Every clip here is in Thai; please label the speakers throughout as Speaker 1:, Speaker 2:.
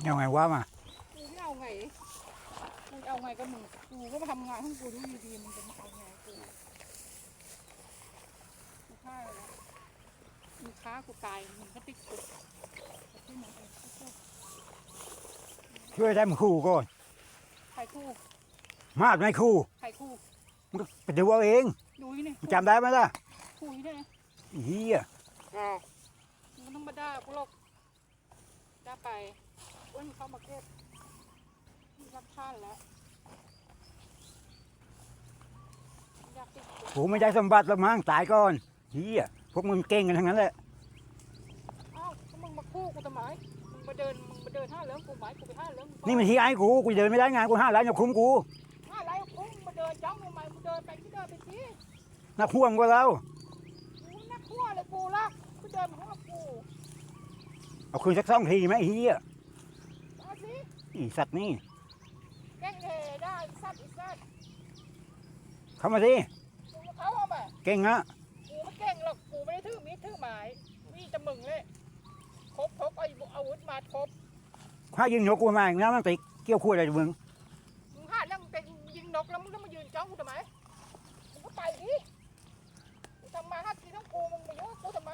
Speaker 1: เอาไงวะมา
Speaker 2: กูไม่เอาไงกูเอาไงกับมึงกูก็มาทำงานของกูดูดีๆมึงจะมาเอาไงกูฆ่าแล้วมึงฆ่ากูตายมึงก็ติดคุกที่มึงเอง
Speaker 1: ช่วยได้มึงคู่ก่อน
Speaker 2: ใครคู่
Speaker 1: มากไม่คู่
Speaker 2: ใครคู่
Speaker 1: มึงไปดูเอาเอง
Speaker 2: ดูนี่
Speaker 1: มึงจำได้ไหมล่ะ
Speaker 2: คู่นี่ไง
Speaker 1: เฮีย
Speaker 2: มึงต้องมาด่ากูหรอกด่าไปอ้วนเข้ามาเก็บรับท่านแล้ว
Speaker 1: กูไม่ได้สมบัติละมั้งตายก่อนเฮียพวกมึงเก่งกันทั้งนั้นแหละ
Speaker 2: อ้าวมึงมาคู่กูทำไมมึงมาเดินห้าเลี้ยงกูไหมกูไปห้าเลี้ยง
Speaker 1: นี่มันที่ไอ้กูเดินไม่ได้งานกู5 ล้านอย่าคุ้มกู
Speaker 2: 5 ล้านคุ้มมาเดินจ้องทำไมมึงเดินไปที่เดินไปสิ
Speaker 1: นักห่วงกว่าเรา
Speaker 2: กูนักขั้วเลยกูละกูเดินมาของกู
Speaker 1: เอาคืนสัก2 ทีไหมเฮีย
Speaker 2: เอาสิ
Speaker 1: อีสัตว์นี่
Speaker 2: แกล้งเฮได้สัตว์อีสัตว์
Speaker 1: เข้ามาสิ
Speaker 2: เขาเอาไป
Speaker 1: เก่งนะ
Speaker 2: กูไม่เก่งหรอกกูไม่ได้ถือมีดถือหมายมีจะมึงเลยครบเอาอาวุธมาครบ
Speaker 1: ข้ายิงนกกูมาน้ำมันติเกี่ยวคู่อะไรมึง
Speaker 2: หาเรื่องเป็นยิงนกแล้วมึงต้องมายืนจ้องกูทำไมมึงก็ไปดิกูทำมา5 ทีทั้งกูมึงมายุ่งกูทำไม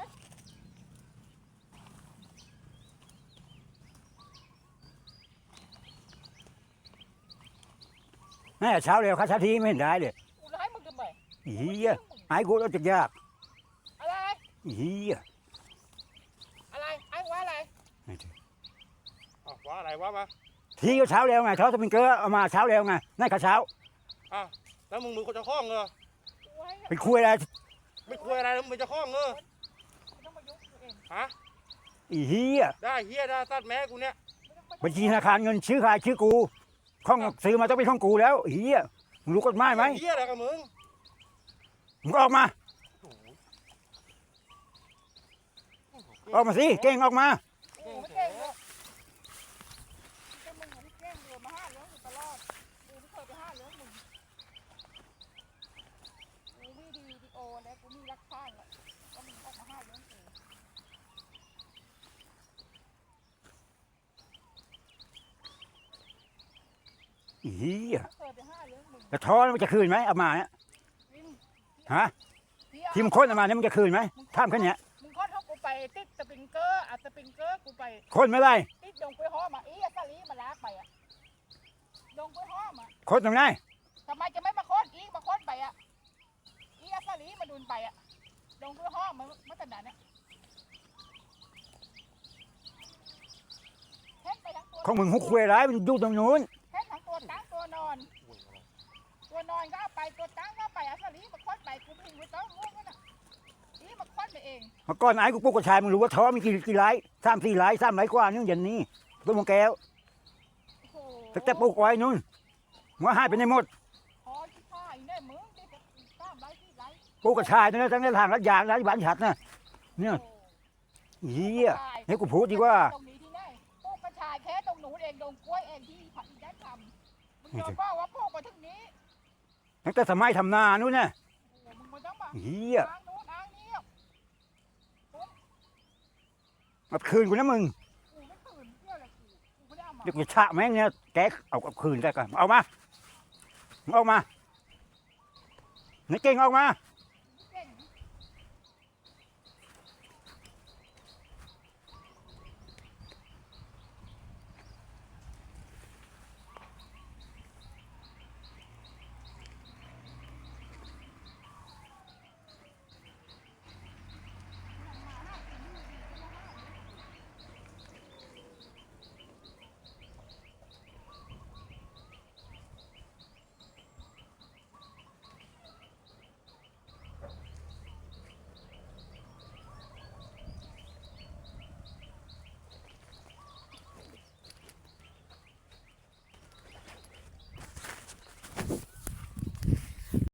Speaker 1: แม่เช้าเร็วข้าช้าทีไม่เห็นได้เลย
Speaker 2: กูร้ายมึงทำไม
Speaker 1: เฮียไอ้กูเราจะยาก
Speaker 2: อะไร
Speaker 1: เฮีย
Speaker 2: อะไรไอ้ว่าอะไร
Speaker 3: ว่าอะไรวะมา
Speaker 1: ทีก็เช้าเร็วไงเขาจะเป็นเกลือเอามาเช้าเร็วไงนั่นข้าเช้า
Speaker 3: แล้วมึงมือคนจะคล้องเหรอ
Speaker 1: เป็นคุยอะไร
Speaker 3: ไม่คุยอะไรแล้วมึงจะคล้องเหรอฮะ
Speaker 1: เฮีย
Speaker 3: ได้เฮียได้ตัดแม่กูเนี่ย
Speaker 1: บัญชีธนาคารเงินชื่อใครชื่อกูข้องซื้อมาต้องเป็นของกูแล้วเฮียมึงรู้กฎหมายไหม
Speaker 3: เฮียอะไรกับมึง
Speaker 1: ออกมาสิเก่งออกมาเฮียกระท้อนมันจะคืนไหมเอามาเนี่ยฮะที่มึงค้นเอามาเนี่ยมันจะคืนไหมท่ามแค่นี้
Speaker 2: มึงค้นเขากูไปติดสปริงเกอร์สปริงเกอร์กูไป
Speaker 1: ค้นไม่ได้
Speaker 2: ติดดงกล้วยหอมอัสลีมาลากไปดงกล้วยหอม
Speaker 1: ค้นตรงไหน
Speaker 2: ทำไมจะไม่มาค้นมาค้นไปอัสลีมาดุนไปดงกล้วยหอมมันขนาดนี้
Speaker 1: ของมึงหุกคุยร้ายมันอยู่ตรงนู้น
Speaker 2: เห็นทั้งตัวตั้งตัวนอนก็เอาไปตัวตั้งก็ไปอัสลีมาค้นไปกูไม่รู้ต้องรู้กันมาค้นไปเอง
Speaker 1: เมื่อก่อนไอ้กูปลูกกระชายมึงรู้ว่าท้อมีกี่ไร่3-4 ไร่3 ไร่กว่านี่อย่างนี้ต้นมะแก้วแต่ปลูกไว้นู่นหัวหายไปในหมดปลูกกระชายนั่นตั้งแต่ทางรัดยางรัดบ้านฉัดนะเนี่ยเฮียให้กูพูดดีกว่า
Speaker 2: ปลูกกระชายแค่ตรงหนูเองตรงกล้วยเองที่ผัดได้ทำมึงจะบอกว่าปลูกมาถึงนี้
Speaker 1: ตั้งแต่สมัยทำนานู่นน่ะเฮียมาคืนกูนะมึงเดี๋ยวจะฉะแม่งเนี่ยแกเอาคืนได้กันเอามาในเก่งออกมา